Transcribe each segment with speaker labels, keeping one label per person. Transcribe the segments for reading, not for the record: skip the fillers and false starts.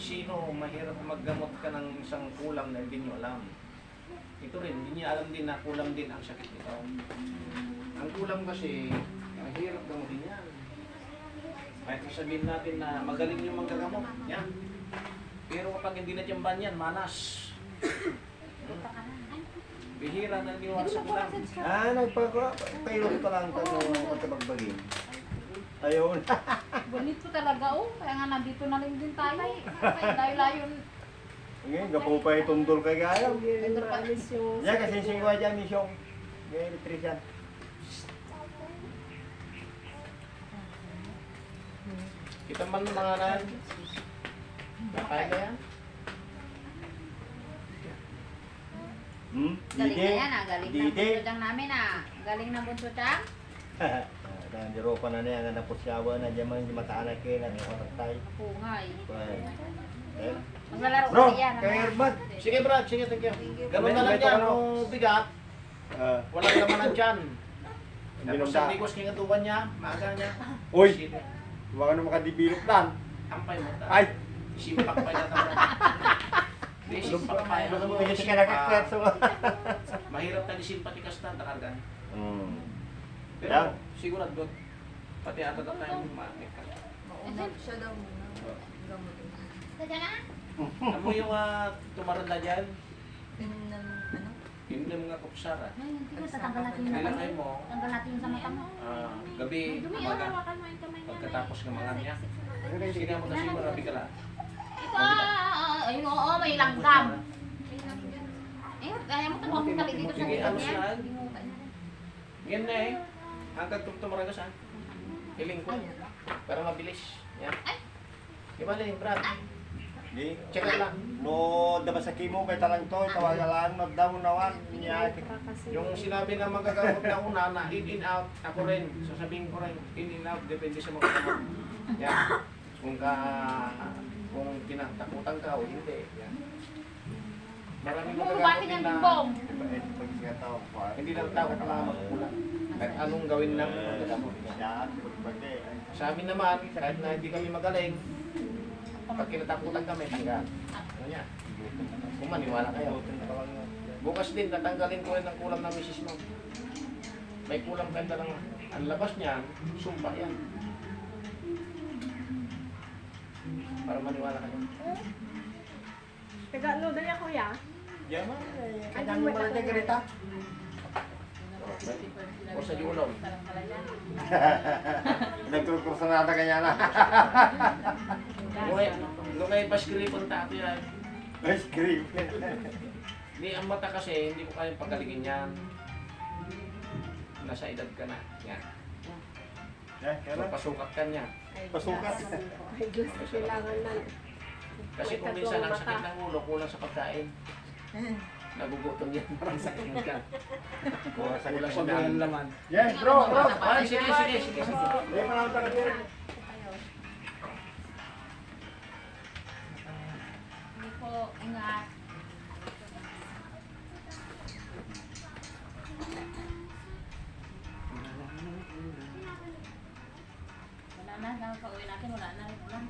Speaker 1: sino mahirap maggamot ka ng isang kulam na hindi nyo alam. Ito rin, hindi niya alam din na kulam din ang sakit nito. Ang kulam kasi, mahirap gamutin yan. Kahit sabihin natin na magaling yung manggagamot, yan. Pero kapag hindi na tiyamban yan, manas. Bihira na niwala sa kulam.
Speaker 2: Nagpapayroon pa lang ito ng pagkabagbagin. Ayun.
Speaker 3: Bonito talaga oh. Kaya nga nandito na lang din tayo. Kaya layo-layo.
Speaker 2: Ngayon, gapo pa itundol kay Gayaw.
Speaker 3: Ito pa.
Speaker 2: Yan, kasi singwa dyan, misyong. Ngayon, electrician.
Speaker 1: Kita man mga nan. Nakaya na yan.
Speaker 3: Galing na yan ah. Galing na
Speaker 2: Didi.
Speaker 3: bunso namin ah. Galing na bunso tiyang.
Speaker 2: Nandiyo pa na niya, nga napusyawa na dyan man, mataanak kayo na, otak tayo.
Speaker 3: Pungay. Maglalaro
Speaker 2: Bro,
Speaker 3: kasi yan.
Speaker 2: kay Herman.
Speaker 1: Sige Brad, sige, thank you. Ganun na lang
Speaker 2: Ito,
Speaker 1: yan,
Speaker 2: ano?
Speaker 1: kung bigat, walang laman ng tiyan. Tapos
Speaker 2: Binunda.
Speaker 1: sa bigos kingatuban niya, maaga niya.
Speaker 2: Uy!
Speaker 1: Sige,
Speaker 2: Baka na makadevelop lang.
Speaker 1: Ampay mo.
Speaker 2: Ay!
Speaker 1: Simpak pa niya naman. Hindi, simpak pa yan.
Speaker 2: Hindi ka nakakwerso.
Speaker 1: Mahirap na disimpatikas na, takargan. Pero
Speaker 2: Yan.
Speaker 1: sigurado, pati ata na tayo mamamit ka.
Speaker 4: Siya daw muna. Gamutin.
Speaker 3: Sadya na?
Speaker 1: Alam mo yung tumaranda dyan,
Speaker 4: Pinim ng ano?
Speaker 1: yun yung mga kupsara.
Speaker 3: Ay, hindi ka tatanggal natin yung
Speaker 1: Nilagay mo,
Speaker 3: Tanggal natin yung sa mata mo.
Speaker 1: gabi,
Speaker 3: Dumi,
Speaker 1: umaga,
Speaker 3: hawakan mo yung kamay niya.
Speaker 1: pagkatapos ng mga niya. Sige mo kasi marami ka lang.
Speaker 3: Ito, ayun oo, may langgam. Eh, kaya mo ito makakali dito sa
Speaker 1: Sige,
Speaker 3: likod
Speaker 1: ano
Speaker 3: niya.
Speaker 1: saan?
Speaker 3: Hindi mo kaya.
Speaker 1: Yan na eh. Hanggang tumaraga saan? Hiling ko. Para mabilis. Yan. Di ba rin, Brad?
Speaker 2: Di.
Speaker 1: Check lang.
Speaker 2: No, dapat sa kimo kay talang to, tawagalaan magdaw nawan niya.
Speaker 1: Yung sinabi na magagamot na una na in out, ako rin. Sasabihin ko rin, in out, depende sa mga gamot. Yan. Kung tinatakutan ka o hindi. Yan. Maraming
Speaker 3: Ano, bakit
Speaker 1: magagamot
Speaker 3: yan,
Speaker 1: na
Speaker 3: Bimbong?
Speaker 1: hindi lang tao ka lang magkulang. Kahit anong gawin ng magagamot. Sa amin naman, kahit na hindi kami magaling, pag kinatakutan kami, tanggal. Ano niya? Kung maniwala kayo. Bukas din, tatanggalin ko rin ang kulam ng misis mo. May kulam kanda lang. Ang labas niyan, sumpa yan. Para maniwala kayo.
Speaker 5: Taga-ano dali ako ya?
Speaker 2: Yaman, kanyang mo lang garita.
Speaker 1: O sa diulong.
Speaker 2: Nagtutursa na ata kanya na.
Speaker 1: Lumay paskripon tato yan.
Speaker 2: Ice cream.
Speaker 1: Hindi, ang mata kasi, hindi ko kayang pagaligin yan. Nasa edad ka na. Yan. Pasukat ka niya.
Speaker 2: Pasukat.
Speaker 5: Ay, Diyos, kailangan na.
Speaker 1: Kasi kung minsan ang sakit ng ulo, kulang sa pagkain. Nagugutom yan, parang sakit mo ka. Kulang sa ng laman.
Speaker 2: Yes, bro, bro.
Speaker 1: Ay, sige.
Speaker 2: Hindi pa lang talaga.
Speaker 3: Hindi po, ingat. Wala na, pauwi natin, wala na rin ulan.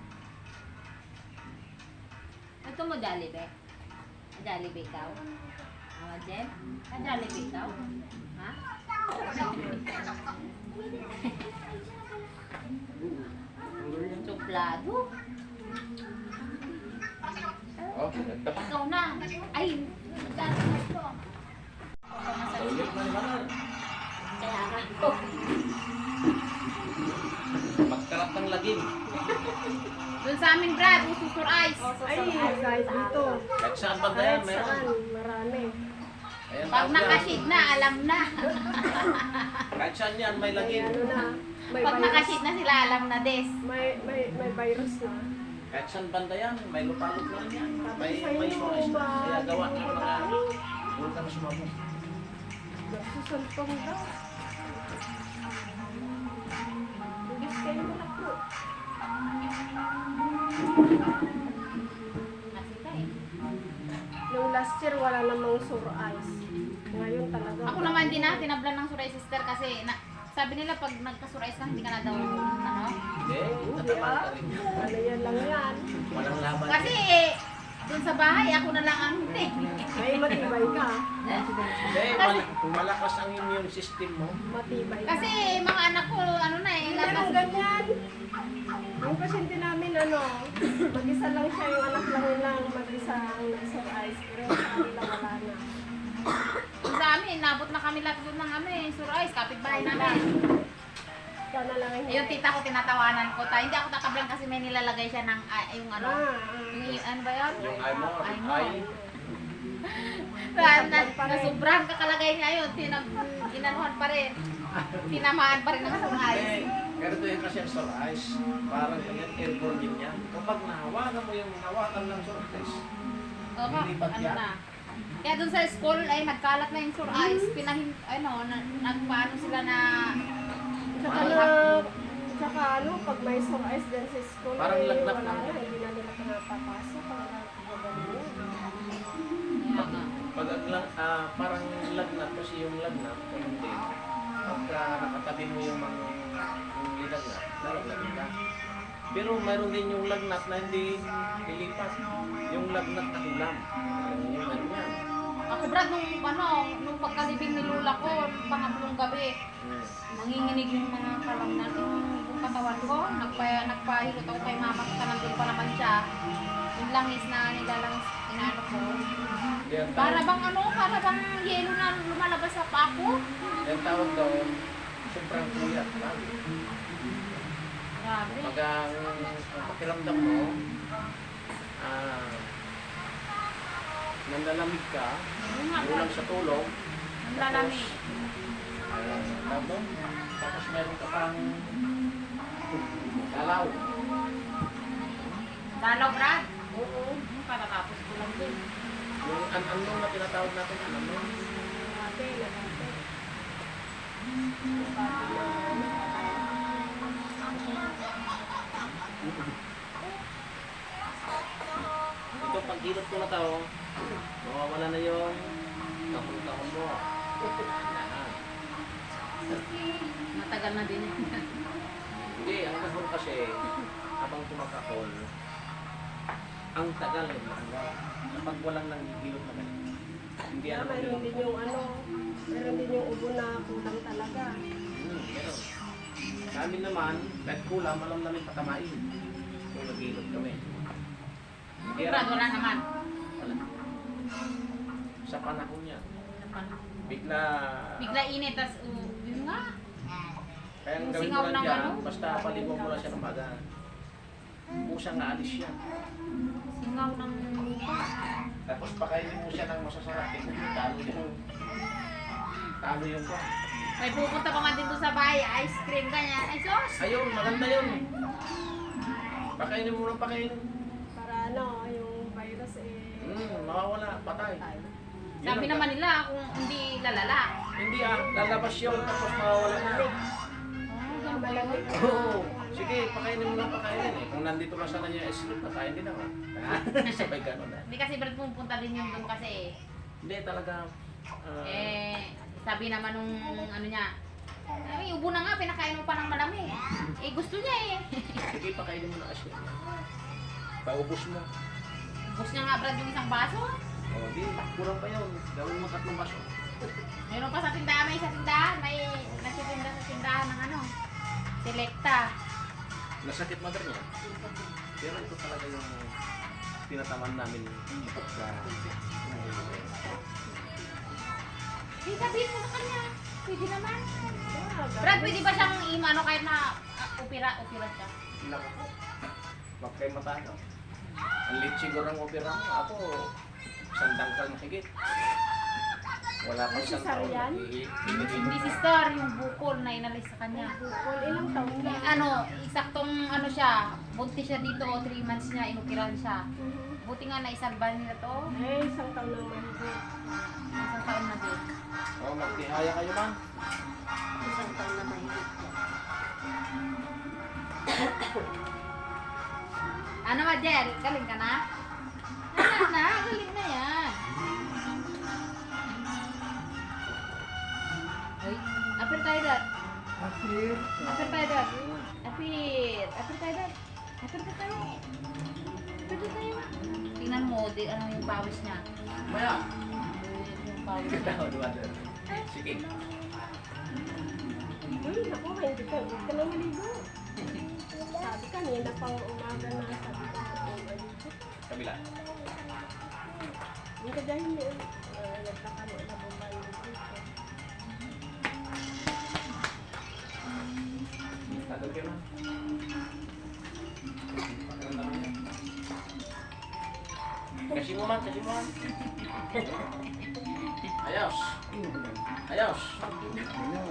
Speaker 3: Ito mo, Jollibee. Jollibee ikaw? Jen? Jollibee ikaw? Ha? Suplado?
Speaker 1: Oh, dapat.
Speaker 3: Ikaw na. Ay, magkano ito?
Speaker 1: Ulit na naman.
Speaker 3: Kaya nga.
Speaker 1: Magkarap ng lagim.
Speaker 3: Doon sa amin, Brad, ususur ice.
Speaker 5: Ay, guys, dito.
Speaker 1: Kahit saan ba
Speaker 5: Kahit
Speaker 1: yan, meron.
Speaker 5: saan, marami.
Speaker 1: Ayan,
Speaker 3: Pag
Speaker 1: tawag yan.
Speaker 3: nakasid na, alam na.
Speaker 1: Kahit saan yan, may
Speaker 5: May
Speaker 1: lagim.
Speaker 5: ano na, may
Speaker 3: Pag
Speaker 5: virus.
Speaker 3: nakasid na sila, alam na des.
Speaker 5: May virus na.
Speaker 1: Kahit saan banda yan, may lupalot na rin yan. May
Speaker 5: Sa inyo,
Speaker 1: sumas na. Kaya gawa ng mga
Speaker 5: marami.
Speaker 1: bulkan na sumabog.
Speaker 5: Nagsusuntong daw. Tugis kayo mo na po.
Speaker 3: Nasita eh.
Speaker 5: Nung last year, wala namang sore eyes. Ngayon talaga.
Speaker 3: Ako naman din na, tinablan ng suray sister kasi sabi nila pag nagkasurais ka, hindi ka na daw, ano?
Speaker 1: Hindi, tatamaan ka rin.
Speaker 5: Ano yan lang yan.
Speaker 1: Walang laban.
Speaker 3: Kasi, dun sa bahay, ako na lang ang hindi.
Speaker 5: Ay, matibay ka.
Speaker 1: Hindi, malakas ang immune system mo.
Speaker 5: Matibay ka.
Speaker 3: Kasi, mga anak ko, ano na eh,
Speaker 5: Hindi
Speaker 3: lakas.
Speaker 5: lang ganyan. Yung pasyente namin, mag-isa lang siya, yung anak lang mag-isa ang nag-ice. Pero sa kanila wala na.
Speaker 3: Sa amin, nabot na kami lahat doon ng ano eh, surais, kapitbahay namin.
Speaker 5: Ikaw na lang ang
Speaker 3: Yung tita ko, tinatawanan ko. Hindi ako tatablang kasi may nilalagay siya ng, yung ano, yung, ano ba yun?
Speaker 1: Yung eye mo,
Speaker 3: Eye mo.
Speaker 1: eye.
Speaker 3: Nasubrahan kakalagay niya yun, inanuhan pa rin. Tinamaan pa rin ng surais.
Speaker 1: Eh, ganito yun kasi ang sore eyes. Parang ganyan, airborne din yan. Kapag nahawakan mo yung hawakan ng sore eyes,
Speaker 3: Oo,
Speaker 1: Lilipat
Speaker 3: ano
Speaker 1: yan.
Speaker 3: na. Kaya dun sa school ay nagkalat na yung sore eyes, nagpaano sila na
Speaker 5: Tsaka pag may sore eyes dyan sa school,
Speaker 1: Parang lagnat
Speaker 5: wala
Speaker 1: lang.
Speaker 5: na, hindi na nila pinapapasok. Wala
Speaker 3: Kaya nga.
Speaker 1: pag parang lagnat kasi yung lagnat, ganun din. Pagka nakatabi mo yung mga yung lilagnat, lalagnatin ka. Pero mayroon din yung lagnat na hindi lilipas. Yung lagnat na ulam. Yung ano yan.
Speaker 3: Ako Brad, nung pagkalibing ni Lula ko, pangatlong gabi, nanginginig yung mga kalamnan, yung katawan ko, nagpahilot ako kay mama ko, nandun pa naman siya. Yung langis na nilalangis, inaano ko.
Speaker 1: Yan
Speaker 3: Para bang yelo na lumalabas sa pako.
Speaker 1: Yan tawag doon, sobrang kuyat lang.
Speaker 3: Grabe.
Speaker 1: Magang ang pakiramdam mo, nanlalamig ka,
Speaker 3: Yung nga,
Speaker 1: kulang sa tulog,
Speaker 3: ang lalamig.
Speaker 1: tapos meron ka pang dalaw.
Speaker 3: Dalaw, Brad.
Speaker 5: Oo.
Speaker 3: Katatapos ko lang din.
Speaker 1: Yung an-anong na tinatawag natin, an-anong.
Speaker 5: Ate.
Speaker 1: Ito, pag hilot ko na tao, mawawala na yung kahon-kahon mo. Yan.
Speaker 3: Matagal na din.
Speaker 1: Hindi, ang kahon kasi, habang tumakahon, ang tagal eh, matanggal. Kapag walang nanghihilot na ganito. Hindi
Speaker 5: Kaya
Speaker 1: ano
Speaker 5: mayroon din yung meron din yung ubo na kulang talaga.
Speaker 1: meron. Sa amin naman, kahit kulang, alam namin patamain. Kung naghihilot kami. Hindi
Speaker 3: Brad, wala naman.
Speaker 1: Wala. Sa panahon niya, bigla
Speaker 3: Init, tas yun nga.
Speaker 1: kaya ang
Speaker 3: Yung
Speaker 1: gawin
Speaker 3: singaw
Speaker 1: mo lang
Speaker 3: ng
Speaker 1: dyan,
Speaker 3: ano?
Speaker 1: basta paligaw mo lang siya ng maga. Pusang naalis siya.
Speaker 3: Singaw ng lupa.
Speaker 1: Tapos pakainin mo siya ng masasarap. Talo yung kwa.
Speaker 3: May pupunta pa nga din doon sa bahay, ice cream ganyan. Ay, sos!
Speaker 1: Ayun, maganda yun. Pakainin mo ng pakainin.
Speaker 5: Para yung virus
Speaker 1: Mawawala, patay. Yun
Speaker 3: Sabi
Speaker 1: ang-
Speaker 3: naman nila kung hindi lalala.
Speaker 1: Hindi lalabas yun, tapos mawawala na.
Speaker 5: malamig.
Speaker 1: Oo. Sige, pakainin mo ng pakainin eh. Kung nandito na sana niya sleep, pakain din ako. Sabay ganun na.
Speaker 3: Hindi kasi Brad pupunta din yung doon kasi
Speaker 1: Hindi talaga.
Speaker 3: sabi naman nung ano niya, ay, ubo na nga, pinakain mo pa ng malamig. Eh, gusto niya eh.
Speaker 1: Sige, pakainin mo ng sleep. Paubos mo.
Speaker 3: Gusto niya nga Brad yung isang baso.
Speaker 1: O, di, kulang pa yun. Gawin mo 3 baso.
Speaker 3: Meron pa sa tindahan, may sa tindahan, may nagtitinda sa tindahan ng ano, Selecta.
Speaker 1: Nasakit mother niya. Pero ito talaga yung tinataman namin sa
Speaker 3: Eh, sabihin mo sa kanya, pwede naman. Brad, pwede ba siyang imano kahit na opera siya?
Speaker 1: Naku po. Huwag kayo matagaw. Ang lit siguro ng opera mo. Ako, sandang kal mahigit. Wala pang isang taon.
Speaker 5: Cesarean?
Speaker 3: Hindi sister, yung bukol na inalis sa kanya.
Speaker 5: Bukol, ilang taon na.
Speaker 3: Ano, isaktong ano siya, buntis siya dito, 3 months niya, inoperahan siya. Buti nga naisalba nila to,
Speaker 5: Isang taon na mahigit.
Speaker 3: isang taon na din.
Speaker 1: O, magtihaya kayo man.
Speaker 3: Isang taon na mahigit. Ano ba, Jel? Galing ka na? Galing na yan. Uy, apir tayo dad. Apir tayo doon. Apir. Apir tayo doon. Apir tayo. Apir tayo. Tingnan mo, ano yung pawis niya.
Speaker 1: Maya.
Speaker 3: Yung pawis niya.
Speaker 1: Kita mo, diba? Sige.
Speaker 5: Naku, hindi ka na maligo. Sabi kanina pang umaga na sabi ko maligo.
Speaker 1: Kabila.
Speaker 5: Hindi ka dahil nagkakano na bumbay dito.
Speaker 1: Tagal ka na. Kasi mo man, kasi mo man. Ayos. Ayos.